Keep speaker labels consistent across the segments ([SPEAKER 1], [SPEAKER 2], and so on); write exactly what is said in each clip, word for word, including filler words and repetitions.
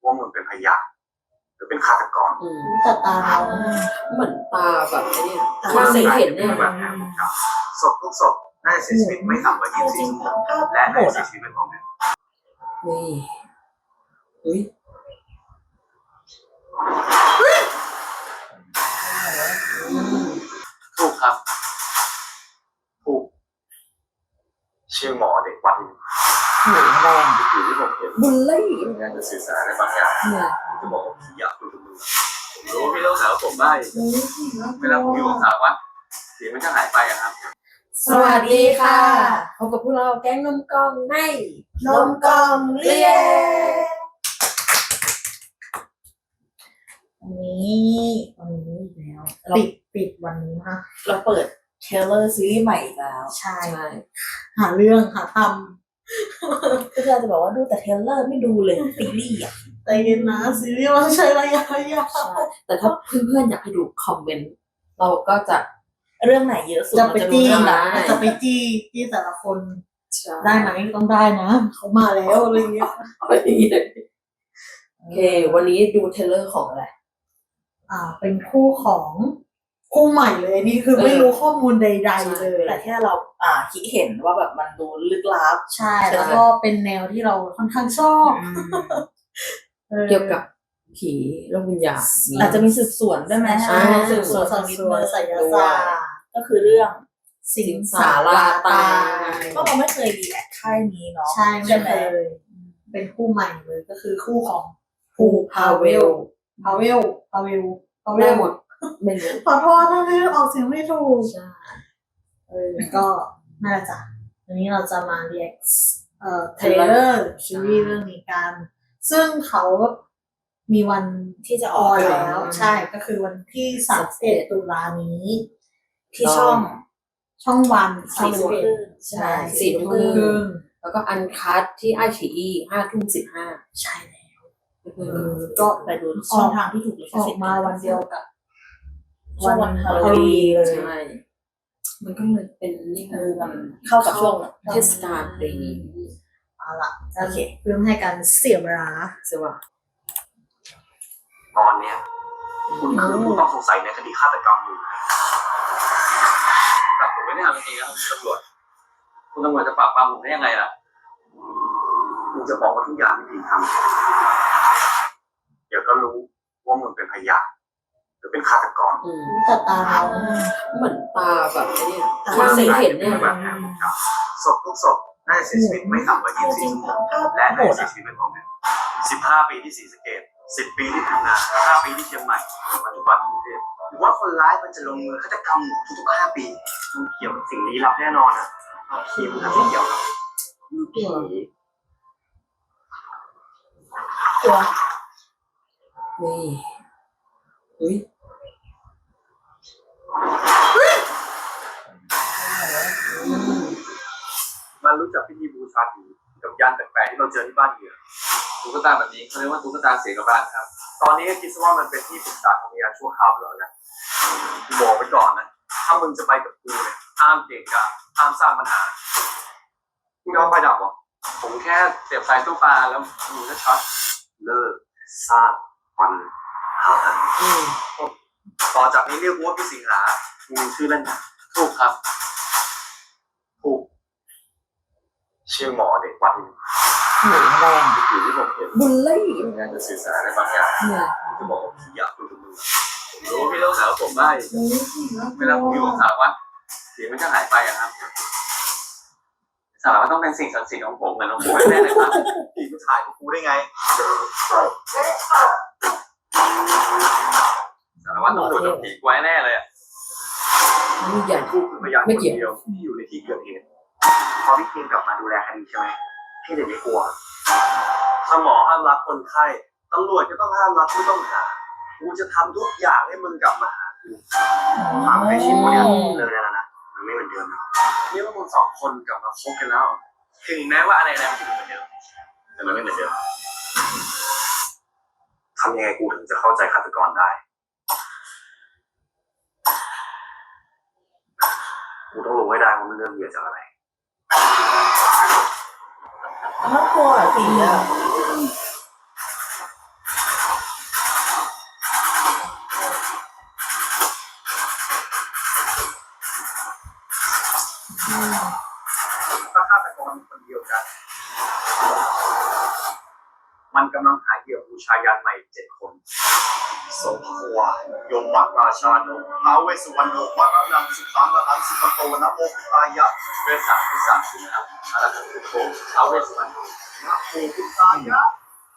[SPEAKER 1] ว่ามึงเป็นพยานหรือเป็นฆาตกร
[SPEAKER 2] อืม
[SPEAKER 3] แต่ตาเรา
[SPEAKER 2] เหมือนตาแบบไอ้นี่
[SPEAKER 3] ตา
[SPEAKER 2] มันเคยเห็นเนี่ย
[SPEAKER 1] แบบนั้นครับศพทุกศพน่าจะเสียชีวิตไม่ต่ำกว่ายี่สิบสี่ชั่วโมงและน่าจะเสียชีวิตไม่พร้อมกัน
[SPEAKER 2] นี่อุ้ย
[SPEAKER 1] ถูกครับถูกชื่อหมอเด็กวัดนี้
[SPEAKER 2] หนูแรง
[SPEAKER 1] คือที่ผมเห็น
[SPEAKER 2] บุลลี่
[SPEAKER 1] พยายามจะสื่อสารอะไรบางอย่าง
[SPEAKER 2] เนี่ย
[SPEAKER 1] จะบอกว่าพี่อยากคุยกับมึงผมรู้ว่าพี่ต้องสาวผมได้เวลาผมอยู่กับสาวว่าเสียงมันจะหายไปอะครับ
[SPEAKER 2] สวัสดีค่ะพบกับพวกเราแก๊งนมกองใน
[SPEAKER 3] นมกล่องเรียนวันนี้วันนี้อีกแล้วปิดปิดวันนี้ค่ะ
[SPEAKER 4] เราเปิดเทรลเลอร์ซีรีส์ใหม่อีกแล้ว
[SPEAKER 3] ใช่
[SPEAKER 2] ใช่
[SPEAKER 3] หาเรื่องหาท
[SPEAKER 4] ก็จะบอกว่าดูแต่เทรลเลอร์ไม่ดูเลยซีรีส์อ่ะ
[SPEAKER 3] ำแต่เย็นนะซีรีส์มันใช้ระยะยาว
[SPEAKER 2] ใช่แต่ถ้าเพื่อนๆอยากให้ดูคอมเมนต์เราก็จะ
[SPEAKER 4] เรื่องไหนเยอะสุด
[SPEAKER 3] จะ
[SPEAKER 4] เรา
[SPEAKER 3] ไป
[SPEAKER 4] จะดู
[SPEAKER 3] จี้
[SPEAKER 4] เรื่องนั้น
[SPEAKER 3] จะไปจี้จี้แต่ละคน
[SPEAKER 2] ใช่
[SPEAKER 3] ได้ไหมต้องได้นะเขามาแล้วอะไรเงี้ย
[SPEAKER 2] โอเควันนี้ดูเทรลเลอร์ของอะไร
[SPEAKER 3] อ่า เป็นคู่ของคู่ใหม่เลยนี่คือไม่รู้ข้อมูลใด ๆ เลย
[SPEAKER 4] แต่แค่เราอ่าคิดเห็นว่าแบบมันดูลึกลับ
[SPEAKER 3] ใช่แล้วก็เป็นแนวที่เราค่อนข้างชอบ ออ
[SPEAKER 2] เกี่ยวกับผีโลกวิญญาณ
[SPEAKER 4] อาจจะมีสืบสวนด้วยไหม
[SPEAKER 3] ใช่
[SPEAKER 4] สื
[SPEAKER 3] สื
[SPEAKER 4] บบ ส
[SPEAKER 3] ส
[SPEAKER 4] ว
[SPEAKER 3] วน น
[SPEAKER 4] สั
[SPEAKER 3] สั
[SPEAKER 4] ก
[SPEAKER 3] ง
[SPEAKER 4] นิด
[SPEAKER 3] สวน
[SPEAKER 4] นึง
[SPEAKER 3] ไสยศาสตร์
[SPEAKER 4] ก็คือเรื่อง
[SPEAKER 3] สิงสาราตาย
[SPEAKER 4] ก็เราไม่เคยดีแอคค่ายนี้เนาะ
[SPEAKER 3] ใช่ไม่
[SPEAKER 4] ไห
[SPEAKER 3] เคยเป็นคู่ใหม่เลยก็คือคู่ของ
[SPEAKER 2] ภูพาเวล
[SPEAKER 3] พาเวลพาเวลพาเว
[SPEAKER 2] ได้
[SPEAKER 3] ล
[SPEAKER 2] หมดไม่รู้
[SPEAKER 3] ขอโทษถ้าไม่ออกเสียงไม่ถูก
[SPEAKER 2] ใช่
[SPEAKER 3] เออก็น่าจะวันนี้เราจะมาเรียกเอ่อเทรลเลอร์ซีรีส์เรื่องนี้กัน ซึ่งเขามีวัน
[SPEAKER 4] ที่จะ
[SPEAKER 3] อ
[SPEAKER 4] อ
[SPEAKER 3] อ
[SPEAKER 4] อน น
[SPEAKER 3] แล้
[SPEAKER 4] แล้ว ว
[SPEAKER 3] ใช่ก็คือวันที่สามสิบเอ็ดตุลานี้
[SPEAKER 4] ที่ช่อง
[SPEAKER 3] ช่องวัน
[SPEAKER 4] สี่ทุ่มครึ่ง
[SPEAKER 3] ใช่
[SPEAKER 2] สี่ทุ่มค
[SPEAKER 3] ค
[SPEAKER 2] รึ่
[SPEAKER 3] รึ่
[SPEAKER 2] ง
[SPEAKER 3] ง
[SPEAKER 2] แล้วก็อันคัทที่ไอชีอีห้าทุ่มสิบห้า
[SPEAKER 3] ใช่แล้ว
[SPEAKER 4] เออก็ไปดูช่องทางที่ถูกลิข
[SPEAKER 3] ออ
[SPEAKER 4] สิ
[SPEAKER 3] ก
[SPEAKER 4] ทธิ์
[SPEAKER 3] มาวันเดียวกับ
[SPEAKER 4] ช่วงวันฮาโลวีนเลย
[SPEAKER 2] ใช่ มันก็เลยเป็นนี่
[SPEAKER 4] เอ
[SPEAKER 2] ค่ะ
[SPEAKER 4] อมันเข้ากับช่วง
[SPEAKER 2] เทศกาลปีนี้
[SPEAKER 3] เอาล่ะโอเคเพื่อไม่ให้การเสียเวลา
[SPEAKER 2] ใช่ป่ะ
[SPEAKER 1] ตอนเนี้ยคุณคือผู้ต้องสงสัยในคดีฆาตกรรมอยู่แต่ผมไม่ได้ทำจริงๆนะครับคุณตำรวจคุณตำรวจจะปราบปรามผมได้ยังไงล่ะคุณจะบอกว่าทุกอย่างที่พี่ทำเดี๋ยวก็รู้ว่ามึงเป็นพยานหรือเป็นฆาตกร
[SPEAKER 2] อืม
[SPEAKER 3] แต่ตาเรา
[SPEAKER 2] เหมือนตาแบบไอ้นี่
[SPEAKER 3] ตา
[SPEAKER 2] มันเคยเห็นเนี่ย
[SPEAKER 1] แบบนั้นครับศพทุกศพน่าจะเสียชีวิตไม่ต่ำกว่ายี่สิบสี่ชั่วโมงและน่าจะเสียชีวิตไม่พร้อมกันสิบห้าปีที่ศรีสะเกษสิบปีที่พังงาห้าปีที่เชียงใหม่ปัจจุบันกรุงเทพหรือว่าคนร้ายมันจะลงมือฆาตกรรมทุกๆห้าปีมันเกี่ยวกับสิ่งลี้ลับแน่นอนอ่ะคีมนะไม่เกี่ยวกับผี
[SPEAKER 4] ตัว
[SPEAKER 2] นี่อุ้ย
[SPEAKER 1] มันรู้จักพิธีบูชาผีกับยันแปลกๆที่เราเจอที่บ้านเหยื่อตุ๊กตาแบบนี้เขาเรียกว่าตุ๊กตาเสียกับบ้านครับ ตอนนี้ก็คิดซะว่ามันเป็นที่ปรึกษาของวิญญาณชั่วคราวไปแล้วนะกูบอกไว้ก่อนนะถ้ามึงจะไปกับกูเนี่ยห้ามเกะกะห้ามสร้างปัญหามึงเอาไฟดับเหรอผมแค่เสียบสายตู้ปลาแล้วมึงก็ช็อตเลิกสร้างปัญหา
[SPEAKER 2] อืม
[SPEAKER 1] ต่อจากนี้เรียกกูว่าพี่สิงหามึงมีชื่อเล่นนะถูกครับถูกชื่อหมอเด็กวัดนี้
[SPEAKER 4] หนูแรง
[SPEAKER 1] คือที่ผมเห็น
[SPEAKER 2] บุลลี่
[SPEAKER 1] พยายามจะสื่อสารอะไรบางอย่าง
[SPEAKER 2] เนี่ย
[SPEAKER 1] จะบอกว่าพี่อยากคุยกับมึงผมรู้ว่าพี่ต้องสาวผมได้เวลาผมอยู่กับสาวว่าเสียงมันจะหายไปอะครับสาวว่าต้องเป็นสิ่งศักดิ์สิทธิ์ของผมเหมือนของผมแน่เลยครับพี่ผู้ชายกับกูได้ไงสารวัตรต้องโดนจับผีไว้แน่เลยอ่ะ
[SPEAKER 2] นี่ใหญ่
[SPEAKER 1] กูคือพยานคนเดียวที่อยู่ในที่เกิดเหตุพอพี่เคียงกลับมาดูแลคดีใช่ไหมพี่จะไม่กลัวถ้าหมอห้ามรักคนไข้ตำรวจก็ต้องห้ามรักผู้ต้องหากูจะทำทุกอย่างให้มึงกลับมาหากูความในชีวิตเนี่ยเลยแล้วนะมันไม่เหมือนเดิมนะนี่ว่ามึงสองคนกลับมาคบกันแล้วถึงแม้ว่าอะไรอะไรมันจะเหมือนเดิมแต่มันไม่เหมือนเดิมทำยังไงกูถึงจะเข้าใจฆาตกรได้กูต้องรู้ให้ได้ว่ามันเริ่มเหยื่อจากอะไร
[SPEAKER 4] น่ากลัวอ่ะผีอ่ะ
[SPEAKER 1] รคนเดียวกัน มันกำลังหาเหยื่อบูชายันใหม่เจ็ดคนสมภวายมมักราชาโนท้าวเวสสุวรรณโนมะระนังสุขังอหังสุขโตนะโมพุทธายะเวสสามที่สามสิบนะครับอรหังพุทโธท้าวเวสสุวรรณโนนะโมพุทธายะ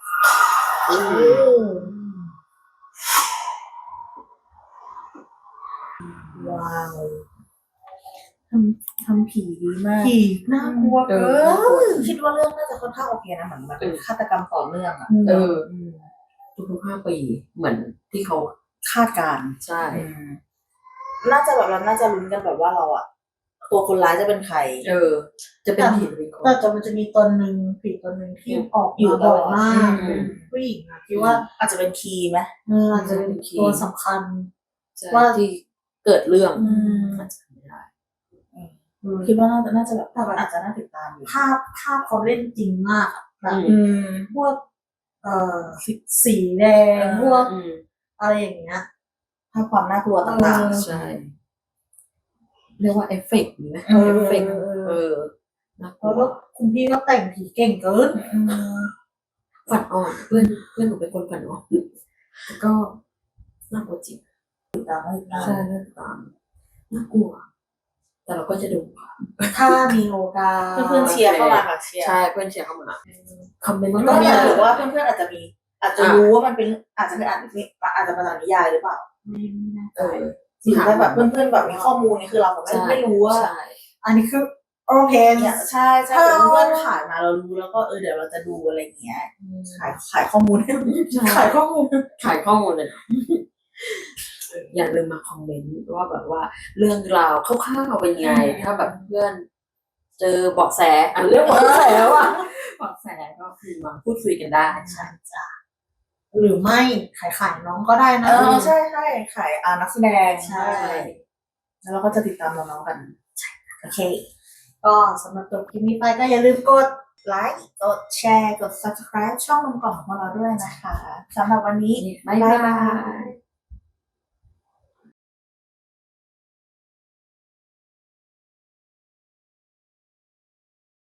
[SPEAKER 4] ว้าวทำทำผีดีมาก
[SPEAKER 3] ผีน่ากลัว
[SPEAKER 2] เอ
[SPEAKER 3] เกิ
[SPEAKER 2] อน่ากลัว
[SPEAKER 3] น
[SPEAKER 4] คิดว่าเรื่องน่าจะค่อนข้างโอเคนะเหมือนมันเป็นฆาตกรรมต่อเนื่องอ่ะ
[SPEAKER 2] เออ
[SPEAKER 4] อืม
[SPEAKER 2] ทุกๆห้าปีเหมือนที่เขา
[SPEAKER 4] คาดการณ์
[SPEAKER 2] ใช่
[SPEAKER 4] อืมน่าจะแบบเราน่าจะลุ้นกันแบบว่าเราอะตัวคนร้ายจะเป็นใคร
[SPEAKER 2] เออ จะเป็นผีหรือเป็นคน
[SPEAKER 3] แต่แต่มันจะมีตนหนึ่งผีตนหนึ่งที่ออก
[SPEAKER 4] อยู่
[SPEAKER 3] มา
[SPEAKER 4] ต
[SPEAKER 3] บ่
[SPEAKER 4] ล
[SPEAKER 3] อ
[SPEAKER 4] อย ด
[SPEAKER 3] มาก
[SPEAKER 2] อืม
[SPEAKER 3] ผู้หญิงอะที่ว่า
[SPEAKER 4] อาจจะเป็นคีย์ไหม
[SPEAKER 3] เอออาจจะเป็นตัวสำคัญ
[SPEAKER 2] ใช่
[SPEAKER 3] ว่า
[SPEAKER 2] ที่เกิดเรื่อง
[SPEAKER 4] อืม
[SPEAKER 2] อาจจะไม่ได้
[SPEAKER 4] คิดว่าน่าจะน่าจะแบบ
[SPEAKER 3] แต่แบบ
[SPEAKER 4] อาจจะน่าติดตามอยู่
[SPEAKER 3] ภาพภาพเขาเล่นจริงมากอะแบบ
[SPEAKER 2] อื
[SPEAKER 4] อืม
[SPEAKER 3] พวกเอ่อสีสีแดง
[SPEAKER 4] เออ
[SPEAKER 3] พวก
[SPEAKER 2] อืม
[SPEAKER 3] อะไรอย่างเงี้ย
[SPEAKER 4] ภาพความน่ากลัวต่าง
[SPEAKER 3] เออ
[SPEAKER 2] ใช่ เรียกว่าเอฟเฟกต์มีไหม
[SPEAKER 3] เออ
[SPEAKER 2] เอฟเฟกต์
[SPEAKER 3] เออเออ
[SPEAKER 2] เออน่ากลั
[SPEAKER 3] แล้ว วก็คุณพี่ก็แต่งผีเก่งเกิน
[SPEAKER 4] ๆอืม
[SPEAKER 2] ฝันอ่อนเพื่อนเพื่อนหนูเป็นคนฝันอ่อนแต่ก็น่ากลัวจริง
[SPEAKER 4] ติดตามให้ติดตาม
[SPEAKER 2] ใช่น่าติดตามน่ากลัว แต่เราก็จะดูค่ะ
[SPEAKER 3] ถ้ามีโอกาส
[SPEAKER 4] เพื่อนๆเชียร์เข้ามาค่ะเชียร์
[SPEAKER 2] ใช่เพื่อนเชียร์เข้ามาคอมเมนต์
[SPEAKER 4] ก็
[SPEAKER 2] ก็
[SPEAKER 4] อ
[SPEAKER 2] มี
[SPEAKER 4] ยาก
[SPEAKER 2] นะ
[SPEAKER 4] รู้ว่าเพื่อนๆอาจจะมี อาจจะรู้ว่ามันเป็นอาจจะเป็นอาจจะอาจจะมาจากนิยายหรือเปล่า
[SPEAKER 3] ไม่ไม่แน่ใจ
[SPEAKER 2] เออ
[SPEAKER 4] หรือถ้าแบบเพื่อนๆแบบมีข้อมูลนี่คือเราแบบไม่
[SPEAKER 2] ใช่
[SPEAKER 4] ไม่รู้ว่า
[SPEAKER 2] ใช่
[SPEAKER 3] อันนี้คือโอเค
[SPEAKER 4] เนี่ยใช่ใช่แต่เพื่อนๆขายมาเรารู้แล้วก็เออเดี๋ยวเราจะดูอะไรอย่างเงี้ยขายขายข้อมูลให้
[SPEAKER 2] ใช่
[SPEAKER 3] ขายข้อมูล
[SPEAKER 2] ขายข้อมูลเลยนะอย่าลืมมาคอมเมนต์ว่าแบบว่าเรื่องราวคร่าวๆเป็นไง ถ้าแบบเพื่อน เจอเบาะแสอ่ะเรื่องเบาะแสว่ะเบาะแสก็คือมาพูดคุยกันได้
[SPEAKER 3] ใช่จ้ะหรือไม่ขายขายน้องก็ได้นะ
[SPEAKER 4] เออใช่ใช่ขายอ่านักแสดง
[SPEAKER 3] ใช่
[SPEAKER 4] แล้วเราก็จะติดตามน้องๆกันโอเค
[SPEAKER 3] ก็สำหรับจบคลิปนี้ไปก็อย่าลืมกด
[SPEAKER 4] ไลค์กดแชร์กด subscribe ช่องนมกล่องของเราด้วยนะคะสำหรับวันนี้
[SPEAKER 2] บ๊ายบาย